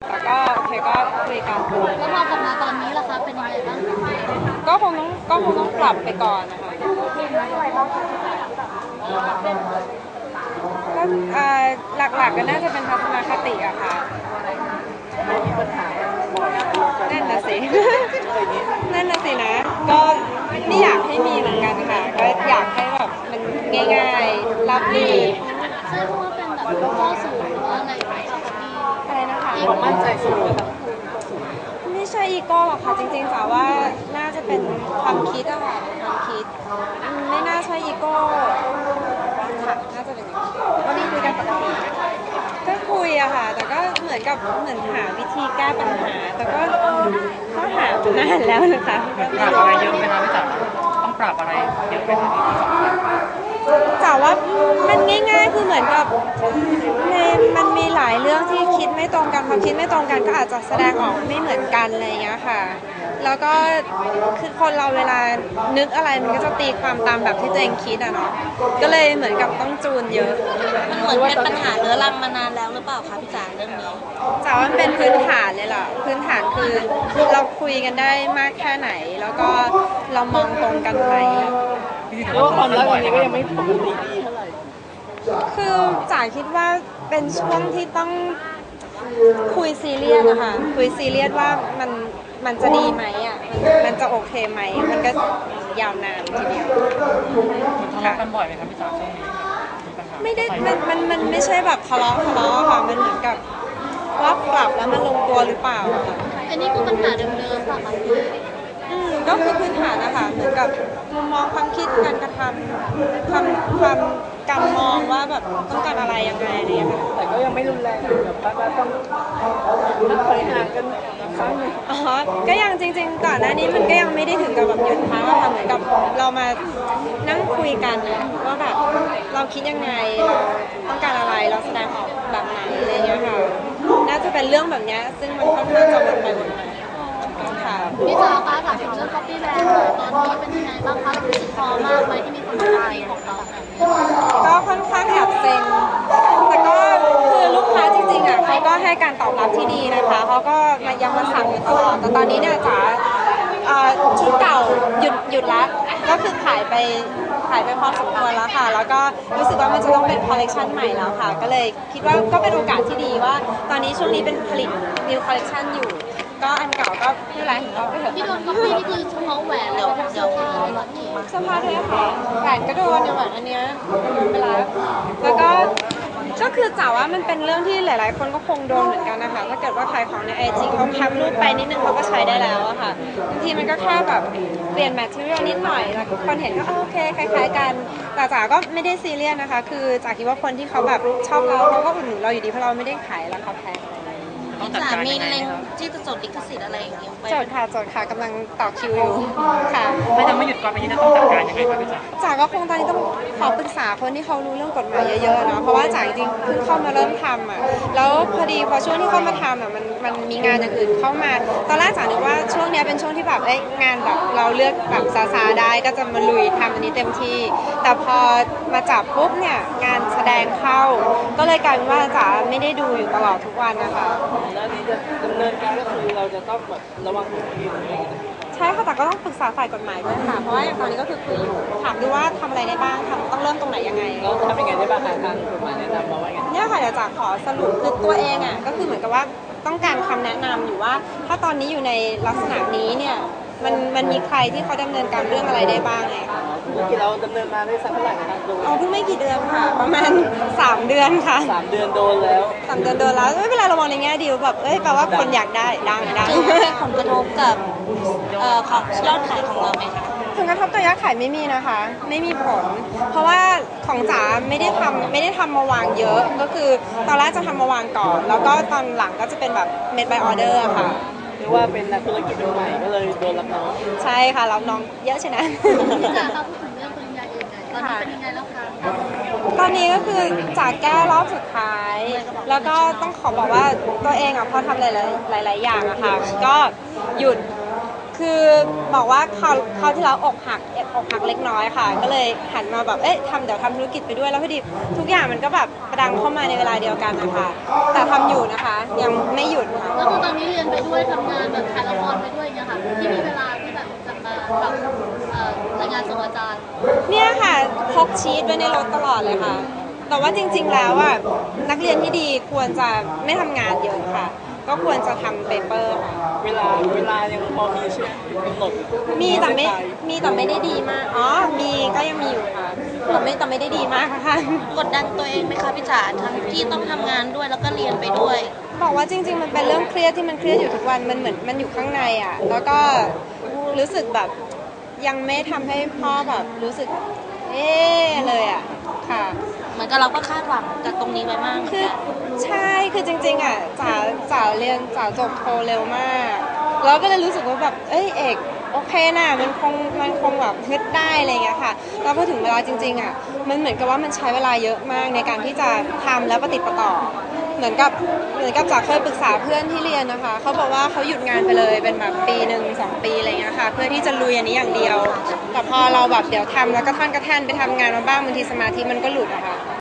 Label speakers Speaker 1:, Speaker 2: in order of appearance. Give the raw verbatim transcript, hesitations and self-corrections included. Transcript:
Speaker 1: แต่ก็โอเคก็คุยกัน
Speaker 2: แล้วพอกลับมาตอนนี้ล่ะคะเป็นยังไงบ้าง
Speaker 1: ก็คงต้องก็คงต้องปรับไปก่อนนะคะก็หลักๆก็น่าจะเป็นทัศนคติอะค่ะนั่นน่ะสินั่นน่ะสินะก็ไม่อยากให้มีเหมือนกันค่ะก็อยากให้แบบมันง่ายๆรับดี
Speaker 2: ใช่เพราะว่าเป็นแบบข้อสูงหรือว่าอะไร
Speaker 1: อะไรนะคะ
Speaker 3: ความมั่นใจสูง
Speaker 1: ไม่ใช่อีโก้หรอกค่ะจริงๆจ๋าว่าน่าจะเป็นความคิดอะค่ะความคิดไม่น่าใช่อีโก้ค่ะน่าจะเป็นอย่างนี้วันนี้คุยกันปกติก็คุยอะค่ะแต่ก็เหมือนกับเหมือนหาวิธีแก้ปัญหาแต่ก็ก็หามานานแล้วนะคะ
Speaker 3: ปรับอะไรเยอะไหมคะพี่จ๋าต้องปรับอะไรเยอะไหมคะ
Speaker 1: จ๋าว่ามันง่ายๆคือเหมือนกับในมันมีหลายเรื่องที่คิดไม่ตรงกันความคิดไม่ตรงกันก็อาจจะแสดงออกไม่เหมือนกันอะไรอย่างเงี้ยค่ะแล้วก็คือคนเราเวลานึกอะไรมันก็จะตีความตามแบบที่ตัวเองคิดอะเนาะก็เลยเหมือนกับต้องจูนเยอะ
Speaker 2: มันเหมือนเป็นปัญหาเรื้อรังมานานแล้วหรือเปล่าคะพี่จ๋าเรื่องนี้
Speaker 1: จ๋าว่ามันเป็นพื้นฐานเลยล่ะพื้นฐานคือเราคุยกันได้มากแค่ไหนแล้วก็เรามองตรงกันไหม
Speaker 3: เพราะว่าความรักนี้ก็ยังไม่ปกติดีเท่าไหร่
Speaker 1: คือจ๋าคิดว่าเป็นช่วงที่ต้องคุยซีเรียสนะคะคุยซีเรียสว่ามันมันจะดีไหมอ่ะมันจะโอเคไหมมันก็ยาวนานทีเดียว
Speaker 3: ทะเลาะกันบ่อยไหมครับพี่จ๋าช่วงนี้
Speaker 1: ไม่ได้มันมันมันไม่ใช่แบบทะเลาะทะเลาะค่ะมันเหมือนกับว่าปรับแล้วมันลงตัวหรือเปล่า
Speaker 2: อันนี้คือปัญหาเดิมๆป่ะคะ
Speaker 1: อืมก็คือพื้นฐานนะคะเหมือนกับมุมมองความคิดการกระทำความความการมองว่าแบบต้องการอะไรยังไงอะไรอย่างเงี้ย
Speaker 3: แต่ก็ยังไม่รุนแรงแบบว่าต้องนักถอยห่างกันครั้งนึง
Speaker 1: อ๋อก็ยังจริงๆก่อนหน้านี้มันก็ยังไม่ได้ถึงกับแบบหยุดพักอะค่ะเหมือนกับเรามานั่งคุยกันนะว่าแบบเราคิดยังไงเราต้องการอะไรเราแสดงออกแบบไหนอะไรอย่างเงี้ยค่ะน่าจะเป็นเรื่องแบบนี้ซึ่งมันค่อนข้างจะวนไปวนมาค่ะ
Speaker 2: พี่จ๋าคะถามถึงเรื่อง Copy Land ตอนนี้เป็นยังไงบ้างคะรู้สึกพอมากไหมที่มีคนตายของเรา
Speaker 1: ก็ค่อนข้างแอบเซ็งแต่ก็คือลูกค้าจริงๆอ่ะเขาก็ให้การตอบรับที่ดีนะคะเขาก็มายังมาสั่งอยู่ตลอดแต่ตอนนี้เนี่ยจ๋าชุดเก่าหยุดหยุดละก็คือขายไปขายไปพอสมควรแล้วค่ะแล้วก็รู้สึกว่ามันจะต้องเป็นคอลเลคชันใหม่แล้วค่ะก็เลยคิดว่าก็เป็นโอกาสที่ดีว่าตอนนี้ช่วงนี้เป็นผลิต new collection อยู่ก็อันเก่าก็ไม่เป็นไรเอาไปเถอะ
Speaker 2: ที่โดน Copy นี่คือเฉพาะแหวนหรือว่าเสื้อผ้า
Speaker 1: เสื้อผ้าด้วยค่ะแหวนก็โดนเนี่ยแหวนอันเนี้ยโดนไปแล้วแล้วก็ก็คือจ๋าว่ามันเป็นเรื่องที่หลายๆคนก็คงโดนเหมือนกันนะคะถ้าเกิดว่าขายของในไอจีเขาแคปรูปไปนิดนึงเขาก็ใช้ได้แล้วอะค่ะบางทีมันก็แค่แบบเปลี่ยนแมทเทอเรียลนิดหน่อยแล้วคนเห็นก็โอเคคล้ายๆกันแต่จ๋าก็ไม่ได้ซีเรียสนะคะคือจ๋าคิดว่าคนที่เขาแบบชอบเราเขาก็อุดหนุนเราอยู่ดีเพราะเราไม่ได้ขายราคาแพง
Speaker 2: พี่จ๋ามีเล็งที่จะจดลิขสิทธิ์อะไรอย่างเงี้ย
Speaker 1: จดค่ะจดค่ะกำลังต่อคิวอยู่ค่ะ
Speaker 3: ถ้ายังไม่หยุดก่อนไปนี้จะต้องจัดการยังไงครับพี่จ๋า
Speaker 1: จ๋าก็คงตอนนี้ต้องขอปรึกษาคนที่เขารู้เรื่องกฎหมายเยอะๆเนาะเพราะว่าจ๋าจริงๆเพิ่งเข้ามาเริ่มทำอ่ะแล้วพอดีพอช่วงที่เข้ามาทำอ่ะมันมันมีงานอย่างอื่นเข้ามาตอนแรกจ๋านึกว่าช่วงนี้เป็นช่วงที่แบบเอ้ยงานแบบเราเลือกแบบซาซาได้ก็จะมาลุยทำอันนี้เต็มที่แต่พอมาจับปุ๊บเนี่ยงานแสดงเข้าก็เลยกลายเป็นว่าจ๋าไม่ได้ดูอยู่ตลอดทุกวันนะคะ
Speaker 3: แล้วนี้จะดำเนินการก็คือเราจะต้องแบบระวังตัวเอง
Speaker 1: ใช่ค่ะแต่ก็ต้องปรึกษาฝ่ายกฎหมายด้วยค่ะเพราะว่าอย่างตอนนี้ก็คือคุยอยู่ถามดูว่าทำอะไรได้บ้างทำต้องเริ่มตรงไหนยังไง
Speaker 3: แล้วทำยังไงได้บ้างคะทางกฎหมายแนะนำมาว่าไง
Speaker 1: เนี่ยค่ะเดี๋ยวจะขอสรุปคือตัวเองอ่ะก็คือเหมือนกับว่าต้องการคำแนะนำอยู่ว่าถ้าตอนนี้อยู่ในลักษณะนี้เนี่ยมันมันมีใครที่เขาดำเนินการเรื่องอะไรได้บ้างไงคะ
Speaker 3: ธุรกิจเราดำเนินมาได้สักเท่าไหร่คะดู
Speaker 1: อ๋อเพิ่งไม่กี่เดือนค่ะประมาณสามเดือนค่ะ
Speaker 3: สามเดือนโดนแล้ว
Speaker 1: สามเดือนโดนแล้วไม่เป็นไรเรามองในแง่ดีแบบเอ้ยแปลว่าคนอยากได้ดังดัง
Speaker 2: ผลกระทบกับเอ่อของยอดขายของเราไหมคะ
Speaker 1: ผลกระทบต่อยอดขายไม่มีนะคะไม่มีผลเพราะว่าของจ๋าไม่ได้ทำไม่ได้ทำมาวางเยอะก็คือตอนแรกจะทำมาวางก่อนแล้วก็ตอนหลังก็จะเป็นแบบ made by order ค่ะ
Speaker 3: หรือว่าเป็นนักธุรกิจใหม่ก็เลยโดนรับน้อง
Speaker 1: ใช่ค่ะรับน้องเยอะใช่ไหม
Speaker 2: พี่จ๋าคะพูดถึงเรื่องปริญญาเอกตอนนี้เป็นยังไงแล้วคะ
Speaker 1: ตอนนี้ก็คือจากแก้รอบสุดท้ายแล้วก็ต้องขอบอกว่าตัวเองอ่ะพอทำหลายๆหลายๆอย่างอะค่ะก็หยุดคืคือบอกว่าเขาเขาที่เราอกหักอกหักเล็กน้อยค่ะก็เลยหันมาแบบเอ๊ะทำเดี๋ยวทำธุรกิจไปด้วยแล้วพอดีทุกอย่างมันก็แบบกระดังเข้ามาในเวลาเดียวกันนะคะแต่ทำอยู่นะคะยังไม่หยุดค่ะ
Speaker 2: ก็คือตอนนี้เรียนไปด้วยทำงานแบบถ่ายละครไปด้วยอย่างเงี้ยค่ะที่มีเวลาที่แบบจะมาแบบเอ่อรายงานส่งอาจารย์
Speaker 1: เนี่ยค่ะพกชีตไว้ในรถตลอดเลยค่ะแต่ว่าจริงๆแล้วอ่ะนักเรียนที่ดีควรจะไม่ทำงานเยอะค่ะก็ควรจะทำเปเปอร์ค่ะ
Speaker 3: เวลาเวลายังพอมีใช่ไหมกำหนด
Speaker 1: มีแต่ไม่มีแต่ไม่ได้ดีมากอ๋อมีก็ยังมีอยู่ค่ะแต่ไม่แต่ไม่ได้ดีมากค่ะ
Speaker 4: กดดันตัวเองไหมคะพี่จ๋าทั้งที่ต้องทำงานด้วยแล้วก็เรียนไปด้วย
Speaker 1: บอกว่าจริง ๆ มันเป็นเรื่องเครียดที่มันเครียดอยู่ทุกวันมันเหมือนมันอยู่ข้างในอ่ะแล้วก็รู้สึกแบบยังไม่ทำให้พ่อแบบรู้สึกเอ๊ะเลยอ่ะค่ะ
Speaker 4: เหมือนกับเราก็คาดหวังกับตรงนี้ไว้มากเหมือน
Speaker 1: คือ
Speaker 4: กัน
Speaker 1: ใช่คือจริงๆอ่ะจ๋าจ๋าเรียนจ๋าจบโทเร็วมากแล้วก็เลยรู้สึกว่าแบบเอ้ยเอกโอเคนะมันคงมันคงแบบฮึดได้อะไรเงี้ยค่ะแล้วพอถึงเวลาจริงๆอ่ะมันเหมือนกับว่ามันใช้เวลาเยอะมากในการที่จะทำแล้วปฏิดประต่อเหมือนกับเหมือนกับจ๋าเคยปรึกษาเพื่อนที่เรียนนะคะเขาบอกว่าเขาหยุดงานไปเลยเป็นแบบปีหนึ่งสองปีอะไรเงี้ยค่ะเพื่อที่จะลุยอันนี้อย่างเดียวแต่พอเราแบบเดี๋ยวทำแล้วก็ท่อนกระแท่นไปทำงานมาบ้างบางทีสมาธิมันก็หลุดอะค่ะ